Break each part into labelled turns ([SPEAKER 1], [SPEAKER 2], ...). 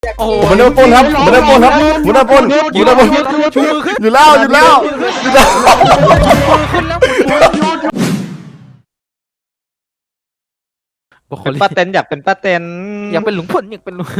[SPEAKER 1] โอ้โห
[SPEAKER 2] มันโดนปนครับมันโดนปนครับมันโดนปนอยู่แล้วอยู่แล้ว
[SPEAKER 1] ขึ้นแล้ว
[SPEAKER 3] เป็นป้าเต็นอยากเป็นป้าเต็น
[SPEAKER 1] อยากเป็นหลุงพลอยากเป็นหลุง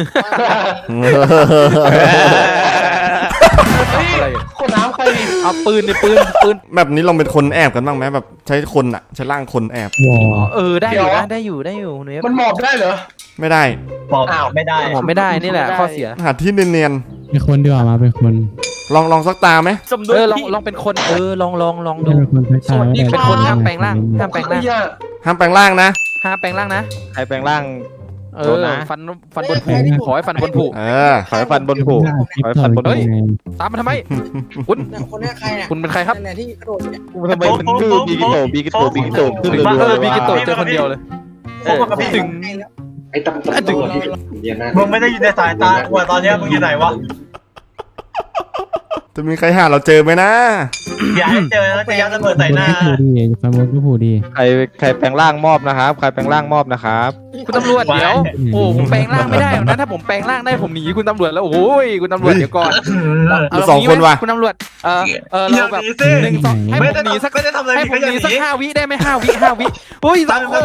[SPEAKER 1] อะไร
[SPEAKER 4] คนน้ำใคร
[SPEAKER 1] เอาปืน
[SPEAKER 2] แบบนี้ลองเป็นคนแอบกันบ้างไหมแบบใช้คนอะใช้ร่างคนแอบ
[SPEAKER 1] ได้อยู่นะได้อยู่เนฟ
[SPEAKER 4] มันหมอบได้เหรอ
[SPEAKER 2] ไม่ได้
[SPEAKER 3] บอกไม่ได้
[SPEAKER 1] ผมไม่ได้นี่แหละข้อเสีย
[SPEAKER 2] หาที่เนียน
[SPEAKER 5] เป็นคนดีกว่ามาเป็นคน
[SPEAKER 2] ๆลองสักตาไหม
[SPEAKER 1] ลองเป็นคนลองดู
[SPEAKER 5] เป็นคนใช้ตา
[SPEAKER 1] เป็นคนห้ามแปลงร่างห้ามแปลงร่าง
[SPEAKER 2] ห้ามแปลงร่างนะ
[SPEAKER 1] ห้ามแปลงร่างนะ
[SPEAKER 3] ใครแปลงร่าง
[SPEAKER 1] ฟันบนผูขอให้ฟันบนผู
[SPEAKER 3] ขอให้ฟันบนผูขอให้ฟันบนผู
[SPEAKER 1] ตามมาทำไมคุณ
[SPEAKER 6] คนนี้ใครอ่ะ
[SPEAKER 1] คุณเป็นใครครับ
[SPEAKER 6] นั่นแหละที่กระโดดเนี่ย
[SPEAKER 3] ทำไมมันชื่อบีกิโตขึ้น
[SPEAKER 1] บีกิโตเจอคนเดียวเลยถึง
[SPEAKER 7] ไอ้ตำรวจที่เรียนนะ
[SPEAKER 8] มึงไม่ได้อยู่ในสายตากูตอนนี้มึงอยู่ไหนวะ
[SPEAKER 2] จะมีใครหาเราเจอไหมนะ
[SPEAKER 8] อย่าให้เจอแล้วจะยัดระเบิดใส่หน้า
[SPEAKER 5] ผูดีฟันบนก็ผูดี
[SPEAKER 3] ใครแปลงร่างมอบนะครับใครแปลงร่างมอบนะครับ
[SPEAKER 1] คุณตำรวจเดี๋ยวโอ้ผมแปลงร่างไม่ได้หรอกนะถ้าผมแปลงร่างได้ผมหนีคุณตำรวจแล้วโอ้ยคุณตำรวจเดี๋ยวก่อน
[SPEAKER 2] สองคนว่ะ
[SPEAKER 1] คุณตำรวจเราแบบ1 2ให้ผมหนีสัก
[SPEAKER 8] ไม่ได้ทำอะไร
[SPEAKER 1] ให้ผม
[SPEAKER 8] ก็
[SPEAKER 1] ห
[SPEAKER 8] อย่า
[SPEAKER 1] นี
[SPEAKER 8] ห
[SPEAKER 1] สัก
[SPEAKER 8] นี
[SPEAKER 1] 5 วิได้ไหม5 วิโอ้ย2 คน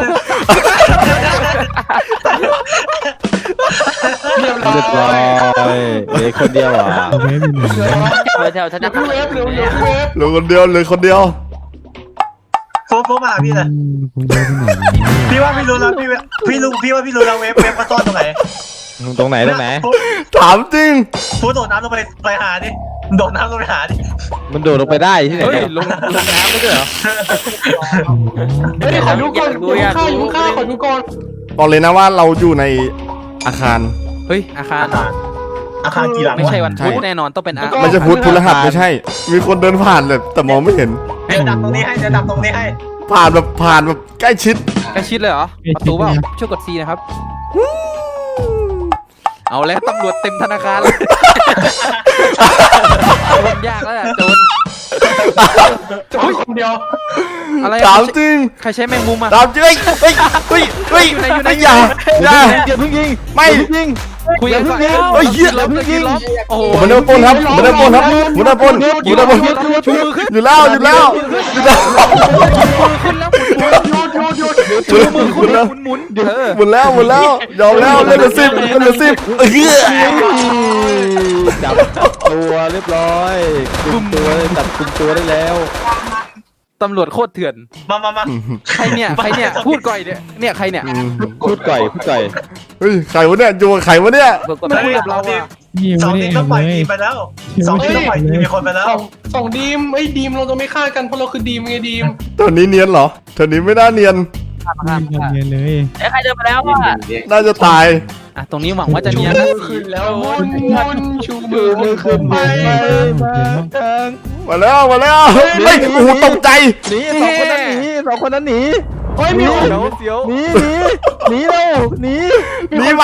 [SPEAKER 3] เรียบร้อยเหลือคนเดียวอ่ะ
[SPEAKER 5] เอาไว้เป็นหนึ่ง
[SPEAKER 1] แถวฉันจะ
[SPEAKER 4] เวฟเร็วเร็วเวฟ
[SPEAKER 2] เหลือคนเดียวเหลือคนเดียว
[SPEAKER 8] โฟมาพี่เลย
[SPEAKER 5] คุณเยอะที่ไหน
[SPEAKER 8] พี่ว่าพี่รู้แล้วพี่ว่าพี่รู้แล้วเวฟมาซ่อนตรงไหน
[SPEAKER 3] ตรงไหน
[SPEAKER 2] ถามจริง
[SPEAKER 8] พูดโดดน้ำลงไปหาดิโดดน้ำลงไปหาดิ
[SPEAKER 3] มันโดดลงไปได้ที่ไหน
[SPEAKER 1] เฮ้ยลงน้ำไม่ได้เหรอ
[SPEAKER 4] เฮ้ยขอดูก่อนอยู่ข้างขอดูก่อน
[SPEAKER 2] บอกเลยนะว่าเราอยู่ในอาคาร
[SPEAKER 1] เฮ้ยอาคาร
[SPEAKER 8] อาคารกี่หลัง
[SPEAKER 1] ไม่ใช่วันพุธแน่นอนต้องเป็นอา
[SPEAKER 2] ไม่ใช่พุธพฤหัสไม่ใช่ มีคนเดินผ่านเลยแต่มองไม่เห็น
[SPEAKER 8] เดี๋ยวดับตรงนี้ให้
[SPEAKER 2] ผ่านแบบใกล้ชิด
[SPEAKER 1] ใกล้ชิดเลยเหรอประตูเปล่าช่วยกด C นะครับเอาแล้วตำรวจเต็มธนาคารเลยโจรยากแล้วโจร
[SPEAKER 4] จอดคนเดียว
[SPEAKER 1] อะไร
[SPEAKER 2] ถามจริง
[SPEAKER 1] ใครใช้แมงมุมอ่ะ
[SPEAKER 2] ถามจริงเฮ้ยอย่า
[SPEAKER 3] อย่าเพิ่งยิง
[SPEAKER 2] ไม่
[SPEAKER 1] คุยกันก่อน
[SPEAKER 2] เฮ้ยเหี้ย
[SPEAKER 1] ล็อกโอ้โห
[SPEAKER 2] มันโดนปนครับมันโดนปนครับมันโดนปน
[SPEAKER 1] ชูมือขึ้น
[SPEAKER 2] อยู่แล้ว
[SPEAKER 1] ขึ้นแล้วชูมือขึ้นหมุน
[SPEAKER 2] หมดแล้วยอมแล้วเล่นละ10
[SPEAKER 3] จับตัวเรียบร้อยกุมตัวจับกุมตัวได้แล้ว
[SPEAKER 1] ตำรวจโคตรเถื่อน
[SPEAKER 8] มา
[SPEAKER 1] ใครเนี่ยพูดก่อยเนี่ยใครเนี่ย
[SPEAKER 3] พูดก่อย
[SPEAKER 2] เฮ้ยใครวะเนี่ยอยู่กับใครวะเนี่ย
[SPEAKER 1] ไม่คุยกับเราอ่ะ
[SPEAKER 5] นี่
[SPEAKER 8] สอง
[SPEAKER 5] ไม่
[SPEAKER 8] ที
[SPEAKER 5] ได้
[SPEAKER 8] ม
[SPEAKER 5] แอ
[SPEAKER 8] ต้องปล่อย
[SPEAKER 5] บเลย
[SPEAKER 8] ทีมไปแล้ว2 ทีมต้องปล่อยทีมมีคนไปแล้ว
[SPEAKER 4] สองดีมดีมเราจะไม่ฆ่ากันเพราะเราคือดีมไงดีม
[SPEAKER 2] ตอนนี้เนียนเหรอตอนนี้ไม่น่าเนียน
[SPEAKER 5] ไม่เรียนเลย
[SPEAKER 1] ใครเดินมาแล้วอ่ะ
[SPEAKER 2] น่าจะตาย
[SPEAKER 1] อ่ะตรงนี้หวังว่าจะเนียนนะ
[SPEAKER 4] ขึ้นแล้วมุนชูมือขึ้นไป
[SPEAKER 2] มาแล้วเฮ้ยโอ้โหตกใจ
[SPEAKER 3] หนีสองคนนั้นหนี
[SPEAKER 4] เฮ้ยมีคน
[SPEAKER 1] เสียว
[SPEAKER 3] หนีเร็วหนี
[SPEAKER 2] หนีไป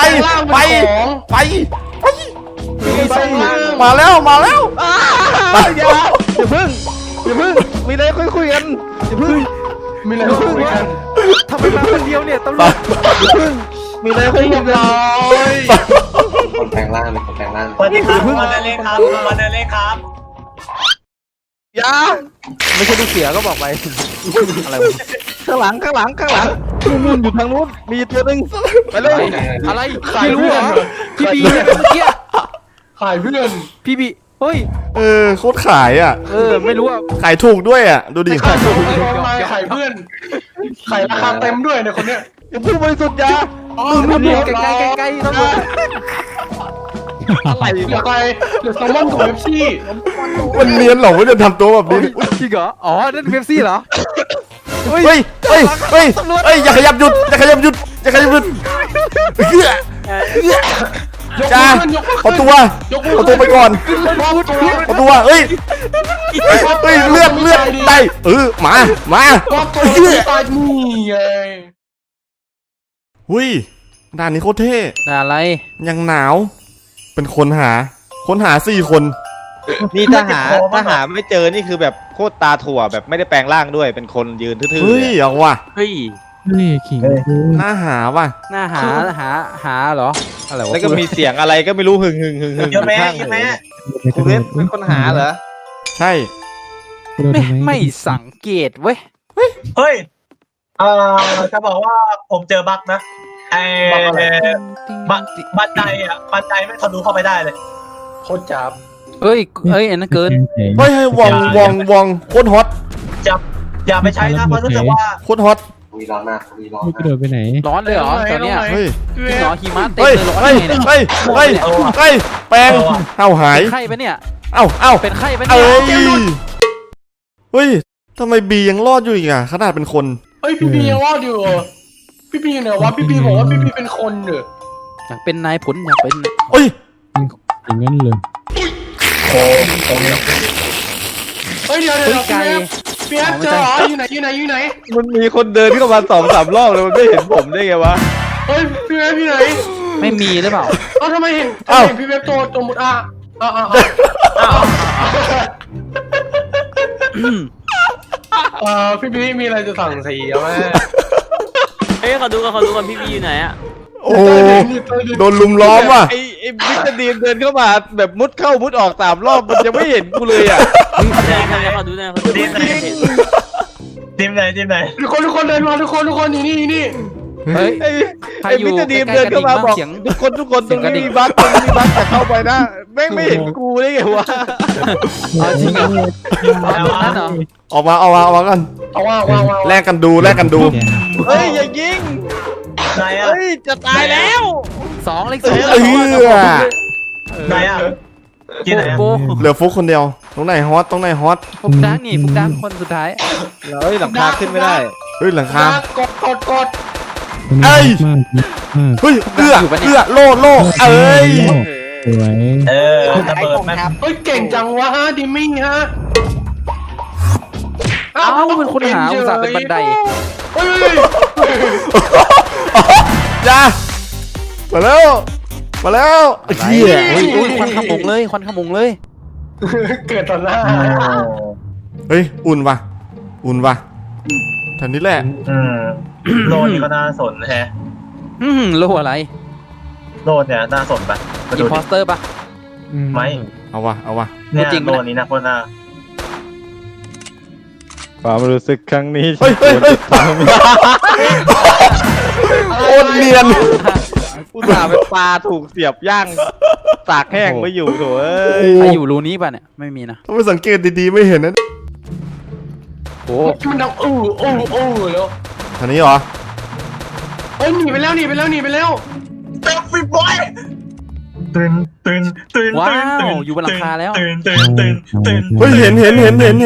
[SPEAKER 2] มาแล้ว
[SPEAKER 3] อย่าเพิ่งมีอะไรคุยกันอย่าเพิ่ง
[SPEAKER 4] มีอะไรคุยกัน
[SPEAKER 1] ทำไมมาคนเดียวเนี่ยตำรวจ
[SPEAKER 3] มีอะไรคุยกัน
[SPEAKER 7] คนแปลงร่างเป็นคนแปลงร่าง
[SPEAKER 8] สวัสดีครับมาเดินเล่นครับ
[SPEAKER 3] อย่า
[SPEAKER 1] ไม่ใช่ลูกเสือก็บอกไปอะไรวะ
[SPEAKER 3] ข้างหลังนู่นอยู่ทางนู้นมีตัวหนึ่งไปเลย
[SPEAKER 1] อะไรไม่รู้เหรอพี่บีเนี่ยเมื่อกี้
[SPEAKER 4] ขายเพื่อน
[SPEAKER 1] พี่บีเฮ้ย
[SPEAKER 2] โคตรขายอ่ะ
[SPEAKER 1] ไม่รู้อ่ะ
[SPEAKER 2] ขายถูกด้วยอ่ะดูดิ
[SPEAKER 4] ขายเพื่อนขายราคาเต็มด้วยในคนเนี้ย
[SPEAKER 3] ผู้บริสุทธิ์ยา
[SPEAKER 1] ใกล้ตำรวจ
[SPEAKER 4] อะไรเหลือใครเหลือแซลมอนกับเอฟซี
[SPEAKER 2] มันเนียนเหรอว่าจะทำตัวแบบนี้
[SPEAKER 1] จริงเหรออ๋อนั่นเบปซี่เหรอ
[SPEAKER 2] เฮ้ยอย่าขยับหยุดจ้าเอาตัวไปก่อนเอาตัวเฮ้ยเลือดได้มา
[SPEAKER 4] ก็ตัวตายนี่ไง
[SPEAKER 2] หุ้ยด่านนี้โคตรเท่
[SPEAKER 1] อะไร
[SPEAKER 2] ยังหนาวเป็นคนหา4 คน
[SPEAKER 3] นี่ถ้าหาไม่เจอนี่คือแบบโคตรตาถั่วแบบไม่ได้แปลงร่างด้วยเป็นคนยืนทื่อๆ
[SPEAKER 2] เฮ้ยเอาว่ะ
[SPEAKER 1] เฮ้ย
[SPEAKER 5] นี่ขิง
[SPEAKER 2] น่าหาว่ะ
[SPEAKER 1] หน้าหาเหรออะไรวะ
[SPEAKER 3] แล้วก็มีเสียงอะไรก็ไม่รู้หึง
[SPEAKER 8] เยอะแม่
[SPEAKER 3] ข้าง
[SPEAKER 8] เยอะ
[SPEAKER 3] หู
[SPEAKER 8] แม่
[SPEAKER 3] คุณเว็บเป็นคนหาเหรอ
[SPEAKER 2] ใช่
[SPEAKER 5] กระโดดทำไม
[SPEAKER 1] ไม่สังเกตเว้ย
[SPEAKER 8] เฮ้ยจะบอกว่าผมเจอบั๊กนะไอ้บันไดไม่ทะลุเข้าไปได้เลยโคตรจับ
[SPEAKER 1] เอ้ยอันนั้นเกิน
[SPEAKER 2] เฮ้ยวองโคตรฮอต
[SPEAKER 8] อย่าไปใช้นะเพราะรู้สึกว่า
[SPEAKER 2] โคตรฮอต
[SPEAKER 7] มีร้อนมากมีร้อน
[SPEAKER 5] ไม่
[SPEAKER 7] มาก
[SPEAKER 5] ระโดดไปไหน
[SPEAKER 1] ร้อนเลยเหรอตอนเนี้ย
[SPEAKER 2] เฮ้ย
[SPEAKER 1] จริงเหรอหิมะเต็ม
[SPEAKER 2] เฮ้ย
[SPEAKER 1] เลยร้อน
[SPEAKER 2] เฮ้ย
[SPEAKER 1] ไงเนี่ย
[SPEAKER 2] เฮ้ยเฮ้ยเฮ้ยแปลงเอ้าหาย
[SPEAKER 1] เป็นไข้ปะเนี่ย
[SPEAKER 2] เอ้า
[SPEAKER 1] เป็นไข้ปะ
[SPEAKER 2] เอ้
[SPEAKER 1] เนี่ย
[SPEAKER 2] ยเฮ้ยทำไมบียังรอดอยู่อีกอ่ะขนาดเป็นคน
[SPEAKER 4] เฮ้ยพี่บียังรอดอยู่พี่บีเนี่ยวะพี่บีบอกว่าพี่บีเป็นคนเหรอ
[SPEAKER 1] อยากเป็นนายผลอยากเป็น
[SPEAKER 2] เฮ้ย
[SPEAKER 5] อย่างนั้นเลย
[SPEAKER 4] เฮ้ยเดี๋ยวพี่แอฟเจอเหรออยู่ไหน
[SPEAKER 3] มันมีคนเดินเข้ามา2-3 รอบเลยมันไม่เห็นผมได้ไงวะ
[SPEAKER 4] เฮ้ยพี่แอฟที่ไหน
[SPEAKER 1] ไม่มีหรือเปล่า
[SPEAKER 4] ทำไมเห็นพี่แอฟตัวมุดพี่บีมีอะไรจะสั่งสีอะแม่
[SPEAKER 6] เฮ้ยขอดูก่อนพี่บีอยู่ไหนอะ
[SPEAKER 2] โอ้โดนลุมล้อมว่ะ
[SPEAKER 3] ไอ้มิสเตอร์ดีมเดินเข้ามาแบบมุดเข้ามุดออก3 รอบมันยังไม่เห็นกูเลยอ่ะ
[SPEAKER 6] ขอดูหน่อย
[SPEAKER 8] ทีมไหน
[SPEAKER 4] ทุกคนเดินมาทุกคนนี่
[SPEAKER 1] เฮ้ย
[SPEAKER 3] ไอ้มิสเตอร์ดีมเดินเข้ามาบอกทุกคนตรงนี้มีบั๊กจะเข้าไปนะแม่งไม่เห็นกูได้ไงวะ
[SPEAKER 1] จริงเหรอนั่นเหรอ
[SPEAKER 2] ออกมากัน
[SPEAKER 4] เอาว่า
[SPEAKER 2] แลกกันดู
[SPEAKER 3] เฮ้ยอย่ายิง
[SPEAKER 8] ไหนอ่ะ
[SPEAKER 3] เฮ้ยจะตายแล้ว
[SPEAKER 1] 2 เลข
[SPEAKER 2] เอ
[SPEAKER 1] 2
[SPEAKER 2] อ
[SPEAKER 8] ไหนอ่ะที่ไหน
[SPEAKER 1] โบ
[SPEAKER 2] เหลือฟุกคนเดียวตรงไหนฮอต
[SPEAKER 1] ฟุกดังนี่ฟุกดังคนสุดท้าย
[SPEAKER 3] เฮ้ยหลังคาขึ้นไม่ได้
[SPEAKER 2] เฮ้ยหลังคาก
[SPEAKER 4] ด
[SPEAKER 2] เอ้ย
[SPEAKER 5] มาก
[SPEAKER 2] เฮ้ยเอื้อโล่เอ้ย
[SPEAKER 5] สวย
[SPEAKER 8] ระเบิดแม่
[SPEAKER 4] เฮ้ยเก่งจังวะฮะดิมี่ฮะ
[SPEAKER 1] เอ้าเป็นคนหาอุตส่าห์เป็นบันได
[SPEAKER 4] เฮ้ย
[SPEAKER 2] จ้ามาแล้วไอ้เหี้ย
[SPEAKER 1] อุ้ยควันขมงเลย
[SPEAKER 4] เกิดต่อหน้า
[SPEAKER 2] เฮ้ยอุ่นว่ะแถวนี้แหละ
[SPEAKER 8] โลนี่ก็น่าสนแฮะ
[SPEAKER 1] โลอะไร
[SPEAKER 8] โลเนี่ยน่าสนปะมา
[SPEAKER 1] อิ
[SPEAKER 8] ดู
[SPEAKER 1] นพอสเตอร์ปะ
[SPEAKER 8] ไหม
[SPEAKER 2] เอาวะ
[SPEAKER 8] เนี่ย
[SPEAKER 1] จริง
[SPEAKER 8] โล
[SPEAKER 1] ปะเนี่ย
[SPEAKER 8] นี้นะคนน่า
[SPEAKER 3] ความรู้สึกครั้งนี้
[SPEAKER 2] เฮ้ยโคตรเนียน
[SPEAKER 3] อุตส่าห์เป็นปลาถูกเสียบย่างตากแห้งไม่อยู่โถเอ้ย
[SPEAKER 1] ใครอยู่รูนี้ป่ะเนี่ยไม่มีนะ
[SPEAKER 2] ถ้าไม่สังเกตดีๆไม่เห็นนะ
[SPEAKER 1] โอ้
[SPEAKER 4] มันดังแล้ว
[SPEAKER 2] ทางนี้เหรอ
[SPEAKER 4] เฮ้ยหนีไปแล้ว
[SPEAKER 8] เต็มฟิบอยตื่น
[SPEAKER 1] ว้าวอยู่บนหลังคาแล้ว
[SPEAKER 8] ตื่น
[SPEAKER 2] เฮ้ยเห็น
[SPEAKER 8] ตื่น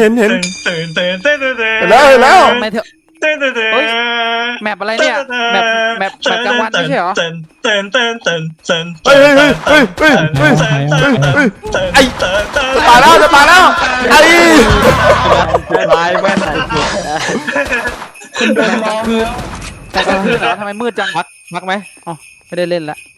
[SPEAKER 2] แล้ว
[SPEAKER 1] ไม่เถอะ แมปอะไรเนี่ยแมปกลางวันไม่ใช่เหรอ
[SPEAKER 2] เฮ้ยไอ้ตายแล้วไอ้
[SPEAKER 3] ลายแว่น
[SPEAKER 1] แมปกลางคืนเหรอทำไมมืดจัง
[SPEAKER 3] พักไหม
[SPEAKER 1] อ๋อไม่ได้เล่นละ